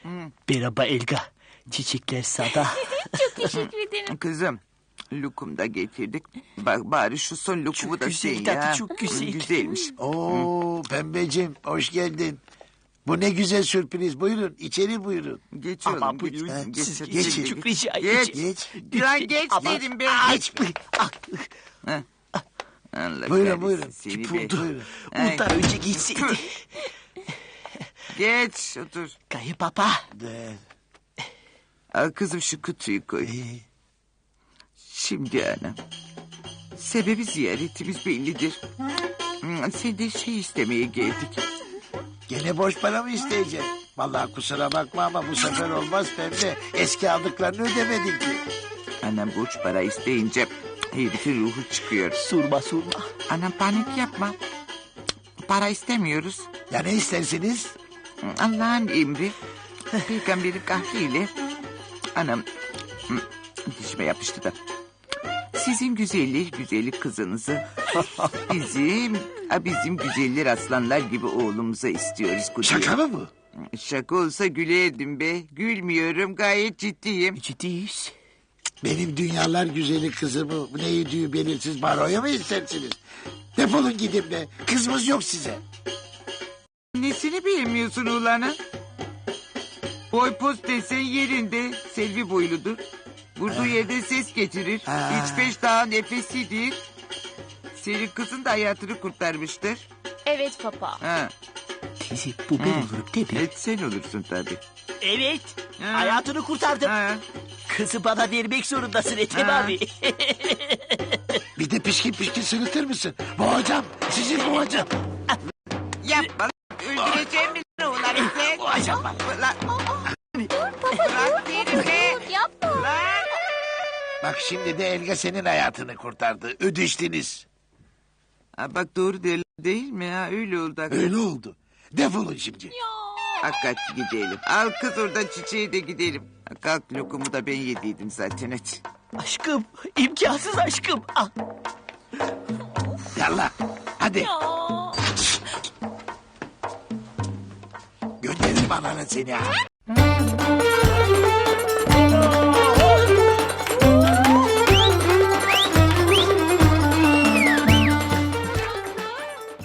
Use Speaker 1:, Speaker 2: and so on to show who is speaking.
Speaker 1: Merhaba Elga. Çiçekler sada.
Speaker 2: Çok teşekkür ederim.
Speaker 3: Kızım, lokum da getirdik. Bak bari şu son lokumu da
Speaker 1: güzel
Speaker 3: sen
Speaker 1: tadı,
Speaker 3: ya.
Speaker 1: çok güzel.
Speaker 3: Güzelmiş.
Speaker 4: Oo pembeciğim hoş geldin. Bu ne güzel sürpriz. Buyurun içeri buyurun.
Speaker 3: Geç oğlum,
Speaker 1: Ama
Speaker 3: geç.
Speaker 1: buyurun
Speaker 3: Geç,
Speaker 1: siz
Speaker 3: geç,
Speaker 1: geçin.
Speaker 3: geç.
Speaker 1: Çok rica
Speaker 3: Geç.
Speaker 1: edeceğim.
Speaker 4: Geç.
Speaker 3: Lan geç
Speaker 1: Ama-
Speaker 3: dedim ben. Geç.
Speaker 1: Ah,
Speaker 3: Allah
Speaker 4: Buyurun,
Speaker 3: kahretsin
Speaker 4: buyurun.
Speaker 3: seni be.
Speaker 1: buldu.
Speaker 3: Ay.
Speaker 1: Bundan önce gitseydi.
Speaker 3: Geç otur.
Speaker 1: Kayınbaba.
Speaker 4: De,
Speaker 3: Al kızım şu kutuyu koy. Şimdi anam. Sebebi ziyaretimiz bellidir. Senden şey istemeye geldik.
Speaker 4: Gene borç para mı isteyeceksin? Vallahi kusura bakma ama bu sefer olmaz pembe. Eski aldıklarını ödemedin ki.
Speaker 3: Anam borç para isteyince herifin ruhu çıkıyor.
Speaker 1: Sorma.
Speaker 3: Anam panik yapma. Para istemiyoruz.
Speaker 4: Ya ne istersiniz?
Speaker 3: Allah'ın emri. Peygamberin kahriyle. Anam dişime yapıştı da. Sizin güzellik kızınızı bizim güzeller aslanlar gibi oğlumuza istiyoruz. Kudret.
Speaker 4: Şaka mı bu?
Speaker 3: Şaka olsa gülerdim be. Gülmüyorum, gayet ciddiyim.
Speaker 1: Ciddiyiz.
Speaker 4: Benim dünyalar güzeli kızımı ne yediği belirsiz baroya mı istersiniz? Defolun gidin be. Kızımız yok size.
Speaker 3: Nesini beğenmiyorsun ulanın? Boy poz desen yerinde. Selvi boyludur. Vurduğu yerde ses getirir. İç beş daha nefesidir. Senin kızın da hayatını kurtarmıştır.
Speaker 2: Evet papa.
Speaker 3: Ha.
Speaker 1: Teyze bu ben olurum değil mi?
Speaker 3: Evet sen olursun tabii.
Speaker 1: Evet.
Speaker 3: Ha.
Speaker 1: Hayatını kurtardım.
Speaker 3: Ha.
Speaker 1: Kızı bana vermek zorundasın Ethem
Speaker 3: Ha.
Speaker 1: abi.
Speaker 4: Bir de pişkin sırıtır mısın? Boğacağım. Sizi boğacağım.
Speaker 3: Yapma. Öldüreceğim mi lan ulanı sen?
Speaker 1: Boğacağım bak.
Speaker 3: Lan. Bırak beni be.
Speaker 2: Dur yapma.
Speaker 3: Lan.
Speaker 4: Bak şimdi de Elga senin hayatını kurtardı. Ödeştiniz.
Speaker 3: Ha, bak doğru değil mi ha? Öyle oldu.
Speaker 4: Öyle oldu. Defolun şimdi.
Speaker 3: Hakikat gidelim. Al kız oradan çiçeği de gidelim. Kalk lokumu da ben yediydim zaten hadi.
Speaker 1: Aşkım. İmkansız aşkım. Ah.
Speaker 4: Yallah. Hadi. Gönderirim ananı seni ha.